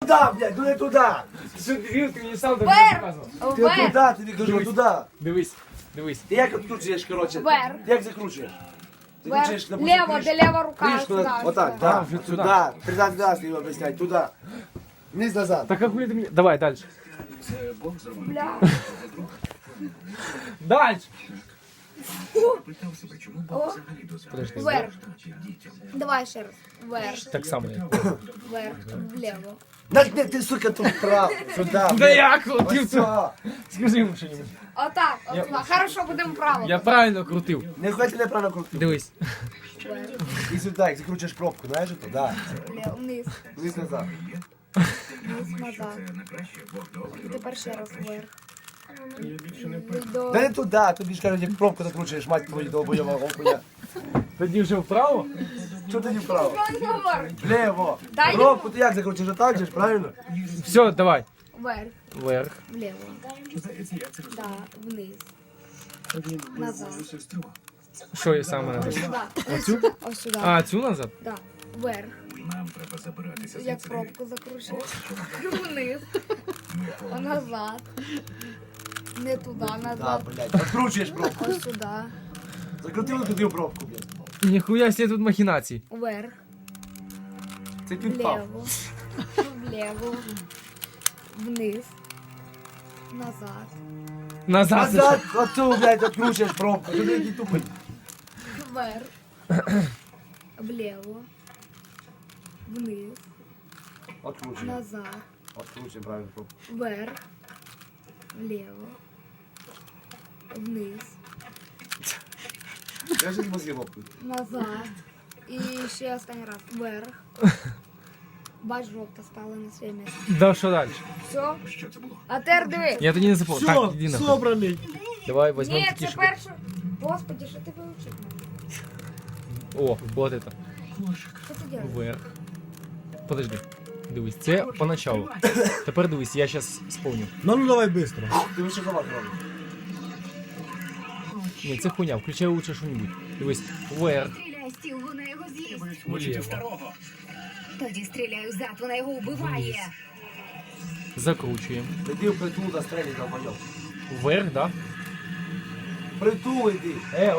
блядь, ну не туди. Ти мені сам так Вверх. показував. Ти Вверх. туди, тобі кажу, туди. Дивись, дивись. Ти як відкручуєш, коротше? Вверх. Як закручуєш? Вверх. Закручуєш, допустим, Лево, де лева рука. кришку, сюда, отак, сюда. да, вже туди. сюди. 13 раз його об'ясняй, туди. Вниз назад. Так а хули ти мені... Давай, дальше. Бля. Дальше. О, Подожди. вверх. Давай ще раз. Вверх. Так само я. Вверх. Влево. Так не, ти, сука, тут вправо, сюди. Да я крутив Ось це. цього. Скажи йому що-нибудь. Отак. Отак. Хорошо, будемо право. Я правильно крутив. Не хоч неправильно крутити. Дивись. Вверх. І сюди, як закручуєш пробку, знаєш, то да. Влево. Вниз. Вниз назад. Вниз назад. І тепер ще раз вверх. До... Да не туди, тобі ж кажуть, як пробку закручуєш, мать твою долбойова окуня. Тоді вже вправо. Чого тоді вправо? Вверх. Влево. Дай Пробку ти як закручуєш, отак же ж, правильно? Все, давай. Вверх. Вверх. Влево. Да. Вниз. Назад. Що я саме надо? Сюда. Оцю? Ось сюди. А, цю назад? Да. Вверх. Як пробку закручуєш. Вниз. Назад. Не туди, Да, назад. блядь, закручуєш пробку. Ось сюди. Закрутили туди пробку, блядь. Ніхуя себе тут махінації. Вверх. Це підпав. Влево. Влево. Вниз. Назад. Назад. Назад, оцю, блядь, откручуєш пробку. Туди який тупий. Вверх. Влево. Вниз. Откручуй. Назад. Откручуй правильно пробку. Вверх. Влево. Вниз. Я щось мозги лопну. Назад. І ще останній раз. Вверх. Бач, жовта стала на своє місце. Да, що далі? Все? А тепер диви. Я тоді не запомнив. Так, іди нахуй. собраний. Давай візьмемо Ні, такі, це щоб... перше. Господи, що ти вивчив? О, вот это. Що ти робиш? Вверх. Подожди. Дивись, це поначалу. Тепер дивись, я зараз сповню. Ну давай быстро. Ти вище завод робиш. Ні, це хуйня, включай лучше що-нибудь. Дивись, вверх, Стріляй стіл, вона його з'їсть. вліво. Тоді стріляю зад, вона його вбиває. Закручуємо. Іди в притул застрелі, долбойов. Вверх, да? Притул іди.